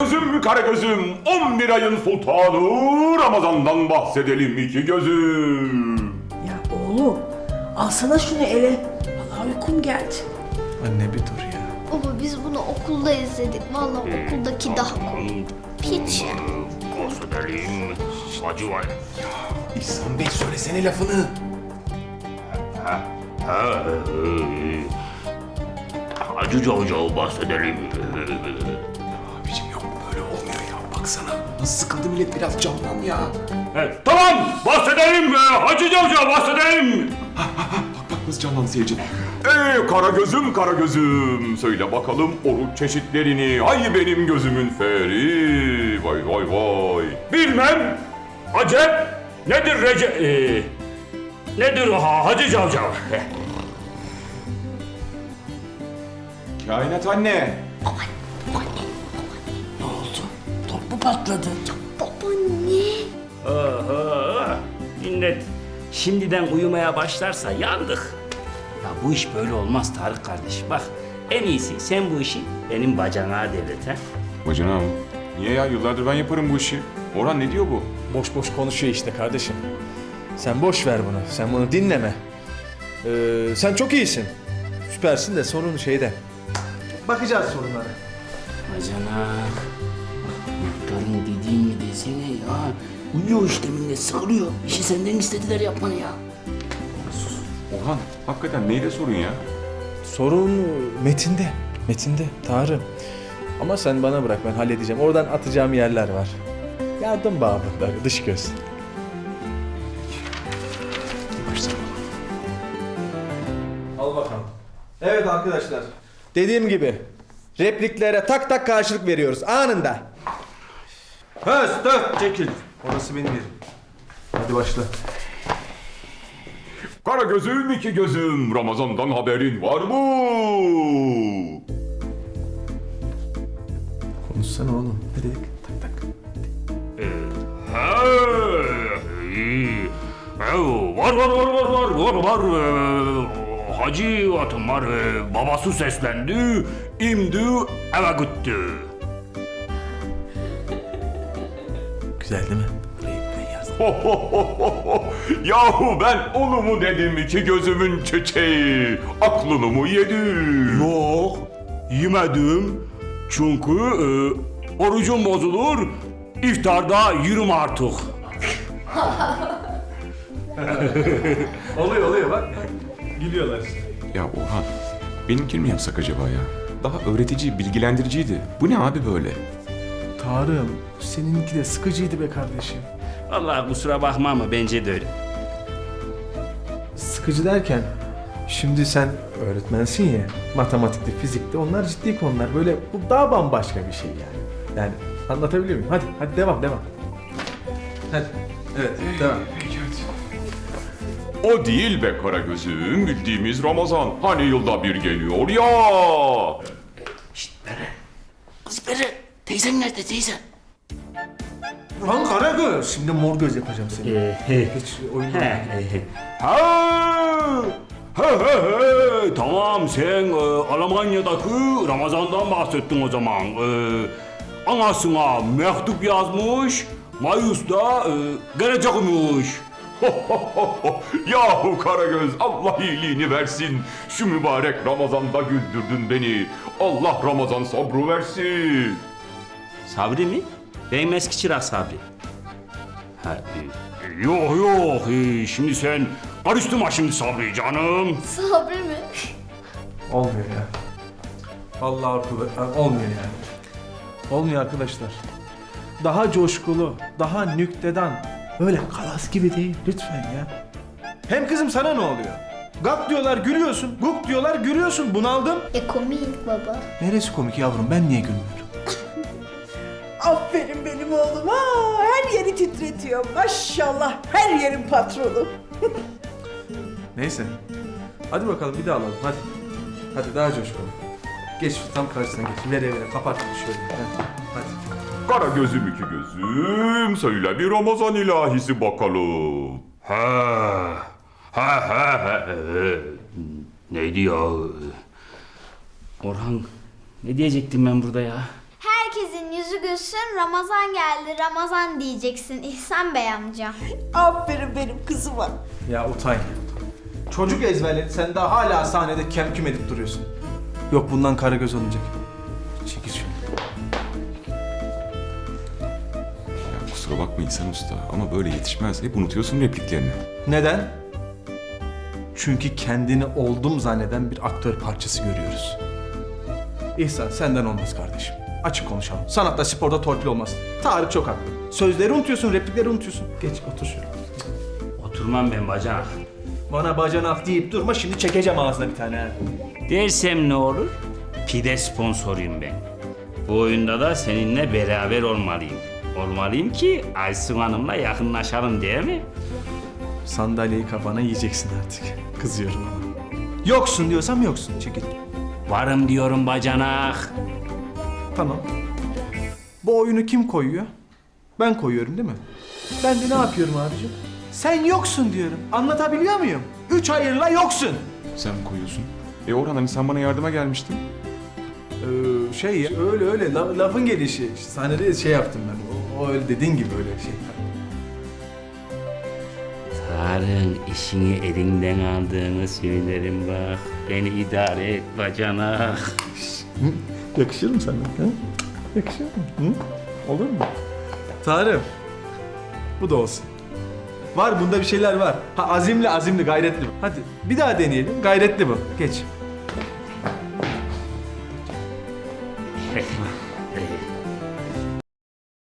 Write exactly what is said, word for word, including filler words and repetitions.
gözüm, kara gözüm, on bir ayın sultanı Ramazan'dan bahsedelim iki gözüm. Ya oğlum alsana şunu ele. Vallahi uykum geldi. Anne bir dur ya. Baba biz bunu okulda izledik. Vallahi okuldaki daha komik. Hiç ya. Bahsedelim. Hacı var. İhsan Bey söylesene lafını. Ha, e, Hacı Cavcav'ı bahsedelim. Abicim yok böyle olmuyor ya. Baksana nasıl sıkıldı millet, biraz canlan ya. Evet, tamam bahsedelim. e, Hacı Cavcav bahsedelim. Bak bak nasıl canlandı seyirci. Ey kara gözüm, kara gözüm, söyle bakalım oruç çeşitlerini. Ay benim gözümün feri, vay vay vay. Bilmem. Acep. Nedir Rece... E, nedir ha, Hacı Cavcav? Kainat anne. Ne oldu? Top mu patladı? Babaanne. Oho! Millet şimdiden uyumaya başlarsa yandık. Ya bu iş böyle olmaz Tarık kardeş. Bak en iyisi sen bu işi benim bacana devret ha. Bacanağım, niye ya? Yıllardır ben yaparım bu işi. Orhan ne diyor bu? Boş boş konuşuyor işte kardeşim. Sen boş ver bunu. Sen bunu dinleme. Ee, sen çok iyisin. Süpersin de sorun şeyde. Bakacağız sorunlara. Bacana. Muhtarın dediğini desene ya. Uyuyor işte millet sıkılıyor. İşi senden istediler yapmanı ya. Orhan, hakikaten neydi sorun ya? Sorun metinde. Metinde Tanrım. Ama sen bana bırak, ben halledeceğim. Oradan atacağım yerler var. Yardım babında dış göz. Al bakalım. Evet arkadaşlar. Dediğim gibi repliklere tak tak karşılık veriyoruz anında. Höz, dört, çekil. Orası benim yerim. Hadi başla. Kara gözüm, iki gözüm, Ramazan'dan haberin var mı? Konuşsana oğlum. Ne dedik? Tak tak. Ha, iyi. E, var var var var var var var. E, Hacı atım var. E, babası seslendi. İmdi eve gitti. Güzel değil mi? Burayı ben yazdım. Ho, ho, ho, ho, ho. Yahu ben onu mu dedim iki gözümün çiçeği, aklını mı yedi? Yok, yemedim. Çünkü e, orucum bozulur. İftarda yürüm artık. Oluyor oluyor bak. Gülüyorlar işte. Ya Orhan, benimkini mi yapsak acaba ya? Daha öğretici, bilgilendiriciydi. Bu ne abi böyle? Tarım, seninki de sıkıcıydı be kardeşim. Vallahi kusura bakma ama bence de öyle. Sıkıcı derken, şimdi sen öğretmensin ya, matematikte, fizikte, onlar ciddi konular. Böyle bu daha bambaşka bir şey yani. Yani anlatabiliyor muyum? Hadi, hadi devam, devam. Hadi, evet, devam. O değil be kara gözüm, bildiğimiz Ramazan. Hani yılda bir geliyor ya. Şşt Bere. Kız Bere. Teyzen nerede teyze? Lan Karagöz, şimdi mor göz yapacağım seni. Ee, he. Hiç oyun He, he, he. Ha, he he he. Tamam sen e, Almanya'daki Ramazan'dan bahsettin o zaman. E, anasına mektup yazmış. Mayıs'ta e, gelecekmiş. Yahu Karagöz, Allah iyiliğini versin. Şu mübarek Ramazan'da güldürdün beni. Allah Ramazan sabrı versin. Sabri mi? Benim eski çırak Sabri. Ha, e, Yok yok e, şimdi sen karıştırma şimdi Sabri canım. Sabri mi? Olmuyor ya. Vallahi arkadaşlar, olmuyor yani. Olmuyor arkadaşlar. Daha coşkulu, daha nüktedan, öyle kalas gibi değil lütfen ya. Hem kızım sana ne oluyor? Gak diyorlar gülüyorsun, guk diyorlar gülüyorsun, bunaldım. E komik baba. Neresi komik yavrum, ben niye gülmüyorum? Aferin benim oğluma. Her yeri titretiyor. Maşallah her yerin patronu. Neyse. Hadi bakalım bir daha alalım hadi. Hadi daha coşkulu. Geç tam karşısına geç. Vere vere kapat şöyle. Hadi. hadi. Kara gözüm, iki gözüm, söyle bir Ramazan ilahisi bakalım. Ha ha ha ha. e, Neydi ya? Orhan ne diyecektim ben burada ya? Herkesin yüzü Karagöz'ün Ramazan geldi, Ramazan diyeceksin İhsan Bey amca. Aferin benim kızıma. Ya Utay. Çocuk ezberledi. Sen daha hala sahnede kem küm edip duruyorsun. Yok bundan Karagöz olmayacak. Çekil şunu. Ya kusura bakma İhsan Usta ama böyle yetişmez. Hep unutuyorsun repliklerini. Neden? Çünkü kendini oldum zanneden bir aktör parçası görüyoruz. İhsan senden olmaz kardeşim. Açık konuşalım. Sanatta, sporda torpil olmaz. Tarık çok haklı. Sözleri unutuyorsun, replikleri unutuyorsun. Geç otur şuraya. Oturmam ben bacanak. Bana bacanak deyip durma, şimdi çekeceğim ağzına bir tane. ha. Dersem ne olur? Pide sponsoruyum ben. Bu oyunda da seninle beraber olmalıyım. Olmalıyım ki Aysun Hanım'la yakınlaşalım değil mi? Sandalyeyi kafana yiyeceksin artık. Kızıyorum ama. Yoksun diyorsam yoksun. Çekil. Varım diyorum bacanak. Tamam. Bu oyunu kim koyuyor? Ben koyuyorum değil mi? Ben de ne yapıyorum abicim? Sen yoksun diyorum. Anlatabiliyor muyum? Üç hayırla yoksun. Sen mi koyuyorsun? E Orhan hani sen bana yardıma gelmiştin. Ee, şey ya, öyle öyle la- lafın gelişi. İşte sahnede şey yaptım ben. O, o öyle dediğin gibi öyle şey. Tarık'ın işini elinden aldığını söylerim bak. Beni idare et bacanak. Yakışır mı sana? Ha? Yakışır mı? Hı? Olur mu? Tarık. Bu da olsun. Var bunda bir şeyler var. Ha azimli azimli gayretli. Hadi bir daha deneyelim. Gayretli bu. Geç.